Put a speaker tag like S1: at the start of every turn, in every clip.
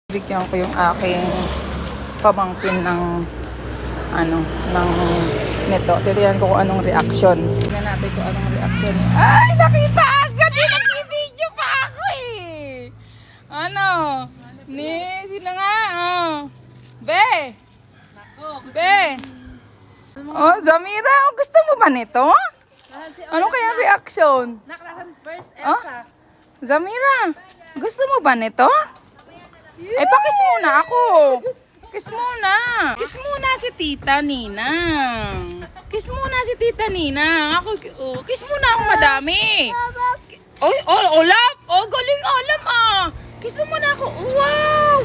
S1: Bigyan ko yung aking pamangkin ng ng neto. Tiriyan ko kung anong reaction. Tingnan natin kung anong reaction niya. Ay, nakita agad! Nag-video pa ako eh! Ano? Sino nga? Oh. Be! Be! Oh, Zamira, gusto mo ba nito? Ano kayang reaction?
S2: First,
S1: Oh?
S2: Elsa.
S1: Zamira, gusto mo ba nito? Ay, pakis muna ako. Kiss muna. Kiss muna si Tita Ninang. Kiss muna si Tita Ninang. Ako, kiss muna ako madami. Olap. Galing alam Kiss mo muna ako. Wow.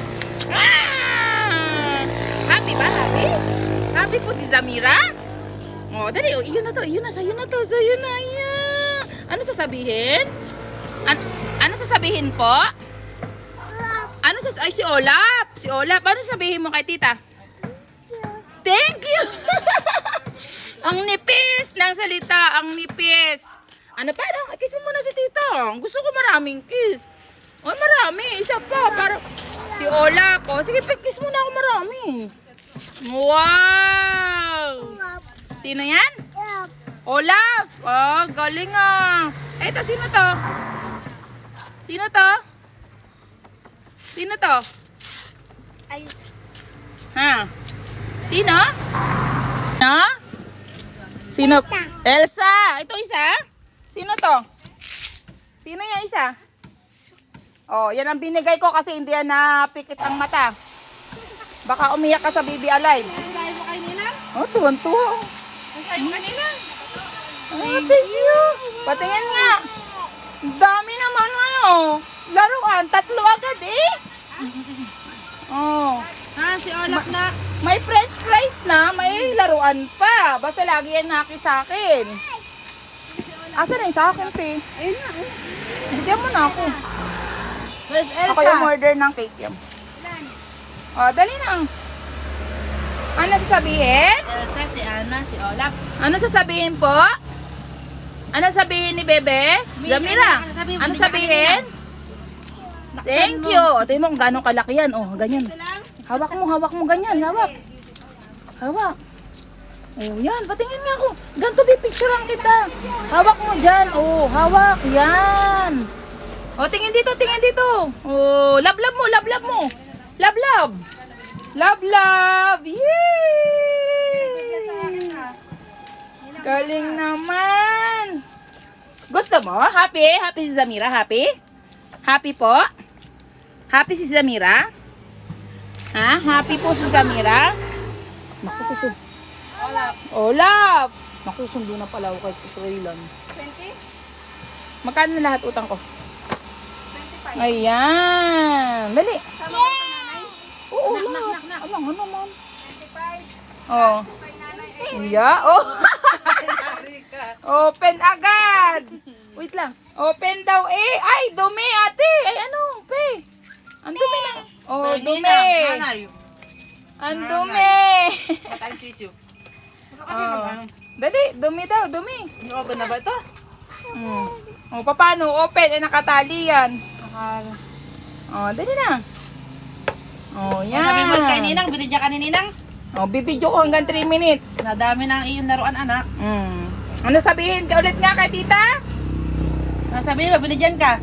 S1: Happy ba? Happy? Happy po si Zamira? Dali. Iyon na to. Sa'yo na to. Yeah. Ano sasabihin? Ano sasabihin po? Ay, si Olap. Si Olap. Ano sabihin mo kay tita? Thank you. Ang nipis ng salita. Ang nipis. Ano pa? Kiss mo muna si tita. Gusto ko maraming kiss. Marami. Isa pa. Para... Si Olap. Sige, kiss muna ako marami. Wow. Sino yan? Olap. Galing Eto, sino to? Sino to? Sino to?
S2: Ay.
S1: Ha? Sino? Ha? Sino? Elsa! Ito isa? Sino to? Sino yung isa? Yan ang binigay ko kasi hindi yan napikit ang mata. Baka umiyak ka sa Baby Alive.
S2: Nagsayo mo kay Nina?
S1: Tuwan-tuwa.
S2: Nagsayo mo kanina?
S1: Thank you. Patingin nga. Dami naman laruan. 3 agad
S2: Si Olap na.
S1: May french fries na, may laruan pa. Basta lagi yan naki sa akin. Asa na yung sa akin, te?
S2: Ayun na.
S1: Bigyan mo na ako.
S2: Where's Elsa?
S1: Ako yung order ng cake yan. Dali na. Ano sasabihin?
S2: Elsa, si Ana, si Olap.
S1: Ano sasabihin po? Ano sabihin ni Bebe? Zamira, ano sabihin? Thank you. Tingnan mo kung gano'ng kalaki yan. Ganyan. Hawak mo ganyan. Hawak. Yan. Patingin nga ako. Ganito pipicturean kita. Hawak mo dyan. Hawak. Yan. Tingin dito. Lablab mo. Lablab. Yay! Galing naman. Gusto mo? Happy? Happy si Zamira? Happy? Happy po? Happy si Zamira? Ha? Happy po si Zamira? Naku, Olap! Naku, sundo na pala ako kay Trailan.
S2: 20?
S1: Magkano na lahat utang ko?
S2: 25.
S1: Ayan! Dali!
S2: Sama ko sa nanay?
S1: Oo,
S2: Nak.
S1: Alam, ano naman?
S2: 25.
S1: Oh.
S2: Kay nanay.
S1: Yeah,
S2: Nari ka.
S1: Open agad! Wait lang. Open daw Ay, dumi ate! Ay, pe? Ang dumi na. Dumi!
S2: Nanay.
S1: Ang dumi!
S2: Matang tissue.
S1: Dali, dumi daw, dumi.
S2: Open na ba ito?
S1: Paano? Open, nakatali yan. Dali na. Yan.
S2: Sabi mo kay Ninang, binidya ka ni Ninang?
S1: Bibidyo ko hanggang 3 minutes.
S2: Nadami na ang iyong laruan, anak.
S1: Ano sabihin ka ulit nga kay tita?
S2: Sabi mo, binidyan ka?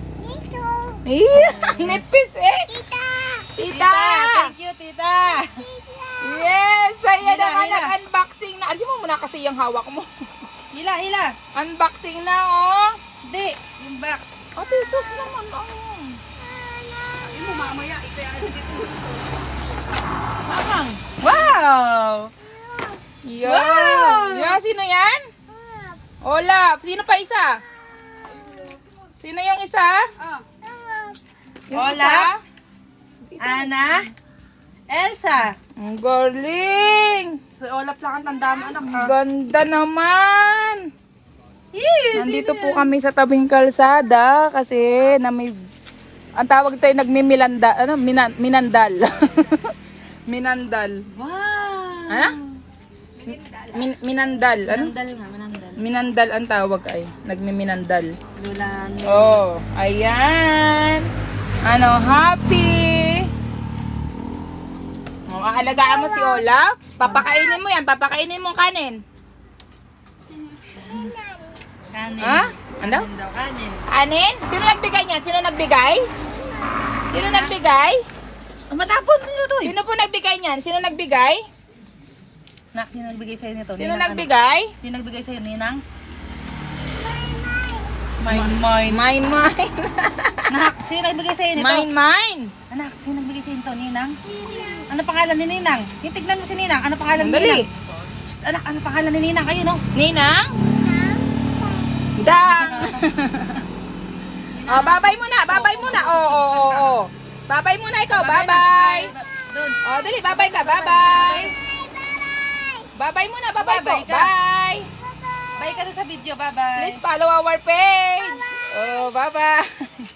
S1: Nipis Tita! Tita!
S2: Thank you, tita.
S1: Yes! Ayan
S2: Hila,
S1: na
S2: hila.
S1: unboxing na. Alisin mo muna kasi yung hawak mo.
S2: Hila.
S1: Unboxing na,
S2: Hindi, yung back.
S1: Ate, sus naman,
S2: Ayun mo, mamaya, ito yung dito.
S1: Mamang. Wow! Wow! Yeah, sino yan? Olap. Sino pa isa? Sino yung isa? Yung
S2: Olap.
S1: isa?
S2: Ana. Elsa.
S1: Ang galing!
S2: So, Olap lang ang tanda mo, anak.
S1: Ganda naman!
S2: Yes!
S1: Nandito po kami sa tabing kalsada kasi ang tawag tayo nagmimilanda, minandal. Minandal.
S2: Wow!
S1: Ha? Minandal. Ano?
S2: Manandal.
S1: Minandal ang tawag ay. Nagmiminandal.
S2: Lulan.
S1: Ayan. Happy. Aalagaan mo si Olaf? Papakainin mo yan. Papakainin mo kanin.
S2: Kanin.
S1: Ha? Ano?
S2: Kanin daw, kanin.
S1: Kanin? Sino nagbigay niyan? Sino nagbigay? Sino nagbigay?
S2: Matapon nyo to eh.
S1: Sino po nagbigay niyan? Sino nagbigay?
S2: Nak, sino nagbigay sa'yo nito?
S1: Sino
S2: Ninang,
S1: nagbigay?
S2: Ano? Sino nagbigay sa'yo, Ninang? Mine.
S1: Mine.
S2: Nak, sino nagbigay sa'yo nito?
S1: Mine.
S2: Anak, sino nagbigay sa'yo nito, Ninang? Ano pangalan ni Ninang? Yung tignan mo si Ninang. Ano pangalan ni
S1: Dali.
S2: Ninang? Shh, anak, ano pangalan ni Ninang? Kayo, no?
S1: Ninang? Dang. Oh, babay muna. Babay muna. Oh. Babay muna ikaw. Bye-bye.
S2: Doon.
S1: Oh, dali. Babay ka. Bye-bye. Babay muna. Babay po.
S2: Bye-bye ka.
S1: Bye.
S2: Bye ka doon sa video. Bye-bye.
S1: Please follow our page. Oh, bye-bye.